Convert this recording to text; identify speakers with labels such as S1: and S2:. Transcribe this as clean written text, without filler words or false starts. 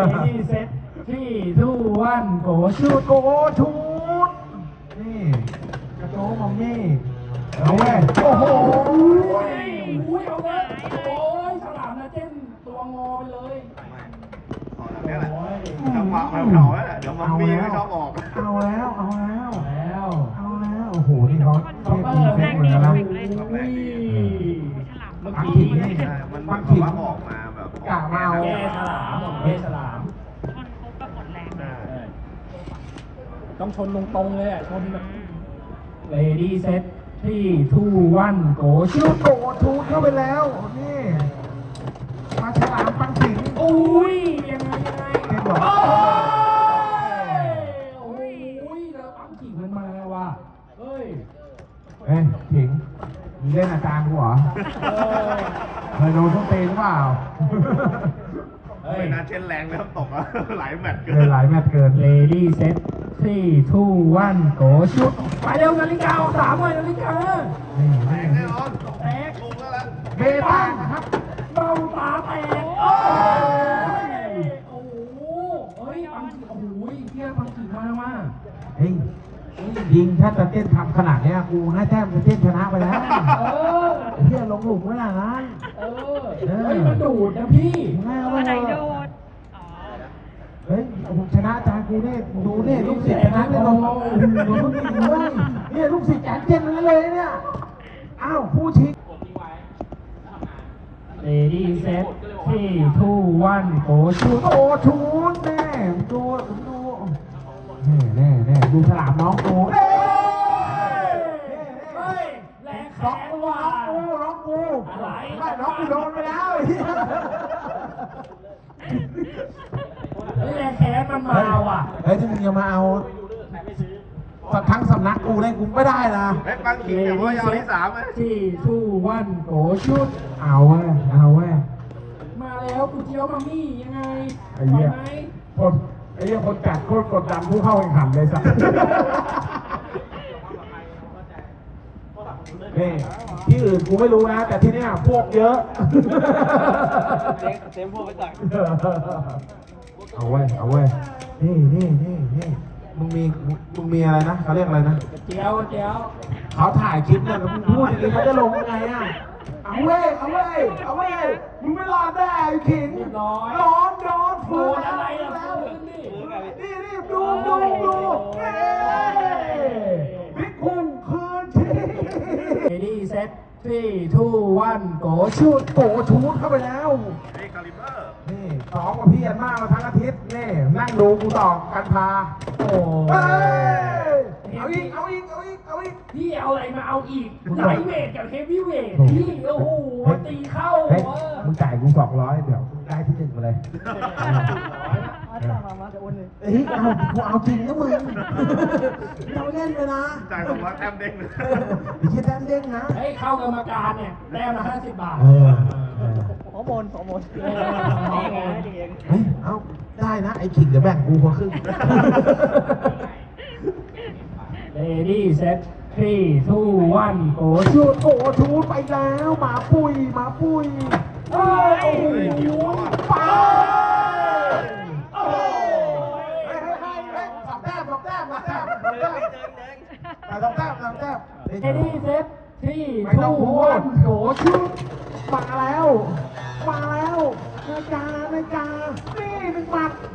S1: นี่เซตที่ทูวันโกชูด
S2: โกชูดนี่กระโจมมัมมี่เอาแม่โอ้โห
S1: อุ้ยเอาเลยโอ้ยฉลามนะเจ้นตัวงอไปเลย
S3: นี่แหละจังหวะแบบเขาแหละเดี๋ยวมันมีไม่ชอบออก
S2: เอาแล้วเอาแล้ว
S1: แล้ว
S2: เอาแล้วโอ้โหนี่เขาเทพดีเฟกเหมือนกันนะ
S1: อุ้ยเมื่อ
S2: ปัก
S1: กี้
S2: ขิงนี่
S3: มัน
S2: ปัก
S3: แบบ
S2: ขิง
S3: ว่าออกมาแบบ
S2: กะมาเอา
S1: แก้ฉลามแก้ฉลาม
S4: ชนครบก็หมดแรงเลย
S1: ต้องชนตรงๆเลยอ่ะชนแบบเลดี้เซตที่ทูวันโกชู
S2: ชู
S1: ด
S2: โกชูดเข้าไปแล้วนี่มาฉลามปักขิง
S1: อุ้ยยังไง
S2: เห็นเหรอ
S1: โอ้ยแล้วปั๊มขิงมันมาว่ะเฮ้ย
S2: เอ้ยขิงมึงเล่นอาจารย์กูเหรอ เคยโดนส้นตีนหรือเปล่า
S1: เฮ้ย
S3: ไม่น่าเช่นแรงเริ่มตกแล้วหลายแมตช์เกิ
S2: เกินหลายแมตช์เกิน
S1: เลดี้เซตที่ทูวันโกชุดไปเร็วนาฬิกาออกสามเลยนาฬิกา
S2: นี่
S3: แร
S2: นี่
S3: งแน่นอน
S1: แตก
S3: ลงแล้วล่ะ
S2: เบตันนะครับ
S1: เบ้าตาแตกโอ้ยโอ้โหเฮ้ยปังขิงโอ้โหเที่ยปังขิงมาว่า
S2: เฮ้ยยิงถ้าจะเต้นทำขนาดเนี้ยกูให้แต้มจะเต้นชนะไปแล้ว
S1: เออ
S2: เฮียลงหลุมไว้อย่างนั้น
S1: เออเฮ้ยมันดูดนะพี่
S2: ไม่เอา
S4: ตัวไหน
S2: ไม่
S4: โด
S2: เอา
S4: นอ๋อ
S2: เฮ้ยผมชนะอาจารย์กูเนี่ยดูเนี่ยลูกศิษย์ชนะเนี่ยลงดูลูกศิษย์ดูนี่เนี่ยลูกศิษย์แจกเจนทั้งนั้นเลยเนี่ยอ้าวผู้ชิง
S1: เลดี้เซตที่ทูวันโกชุด
S2: โอ้ชูนแน่ดูแน่ดูฉลามน้องกูเอ้ย
S1: เฮ้ยแรงแข
S2: น้อง
S1: น
S2: กู
S1: ว่ะ
S2: น้องกู
S1: อะไร
S2: ไม่น้องกูโดนไปแล้ว
S1: เฮ้ยแรงแขนมันมาว่ะ
S2: เฮ้ยที่มึงจะมาเอาทั้งสำนักกูได้กูไม่ได้นะ
S3: เฮ้ยปังขิงเดี๋ยวว่ายาวที่สามไหม
S1: ที่ทูวันโกชุด
S2: เอาเว้ยเอาเว้ย
S1: มาแล้วกูเจียวมามี่ยังไง
S2: ไอ้เหี้ย
S1: ไหม
S2: คนไอ้เหี้ยคนจัดโคตรกดดันผู้เข้าแข่งขันเลยสัสนี่ที่อื่นกูไม่รู้นะ แต่ที่เนี้ยพวกเยอะเต็มพวกไปสั่งเอาเว้ยเอาเว้ยนี่มึงมีอะไรนะเขาเรียกอะไรนะ
S1: เจียว
S2: เขาถ่ายคลิปเนี่ยแล้วมึงพูดอย่างนี้เขาจะลงยังไงอ่ะเอาเว้ยมึงไม่รอดแน่ไอ้ขิง
S1: เรียบร้อย
S2: โดน
S1: โด
S2: ฟื้
S1: น
S2: น
S1: อะไร
S2: แล้ว
S1: ล่ะฟื้นนี่
S2: นี่ดูเฮ้บิ๊กคุ้งคืนที่
S1: เลดี้เซตที่ทูวันโกชุด
S2: โกชูดเข้าไปแล้ว
S3: นี่คาลิเบอร์
S2: นี่ซ้อมกับพี่ยันมากมาทั้งอาทิตย์นี่นั่งดูกูต่อกันพา
S1: โอ้
S2: เฮ้ยเอาอีก
S1: พี่เอาอะไรมาเอาอีกไลท์เวทกับเฮฟวี่เวทพี่โอ้โหตีเข้า
S2: เฮ้ย
S1: เออ
S2: มึงจ่ายกู200เดี๋ยวได้ที่1มาเลยเฮ้ยกูเอาจริงนะมึงเราเล่นเลยนะ
S3: จ่ายผมว่าแต้มเด้งเลย
S2: ไอ้เหี้ยแต้มเด้งนะ
S1: เฮ้ยเข้ากรรมการเนี่ยแต้มละ50 บาท
S2: เออ
S1: ฮอร์โมน
S2: เฮ้ยเอาได้นะไอ้ขิงเดี๋ยวแบ่งกูคนครึ่ง
S1: เลดี้เซตที่ทูวันโกชุด
S2: โอ้ชูดไปแล้วหมาปุย
S1: เฮ้ยโอ้โห
S2: ไป
S1: โอ้โห
S2: สองแต้ม2 แต้ม2 แต้ม
S1: เลดี้เซตที่ทูวันโกชุด
S2: มาแล้วนาฬิกานี่1 หมัด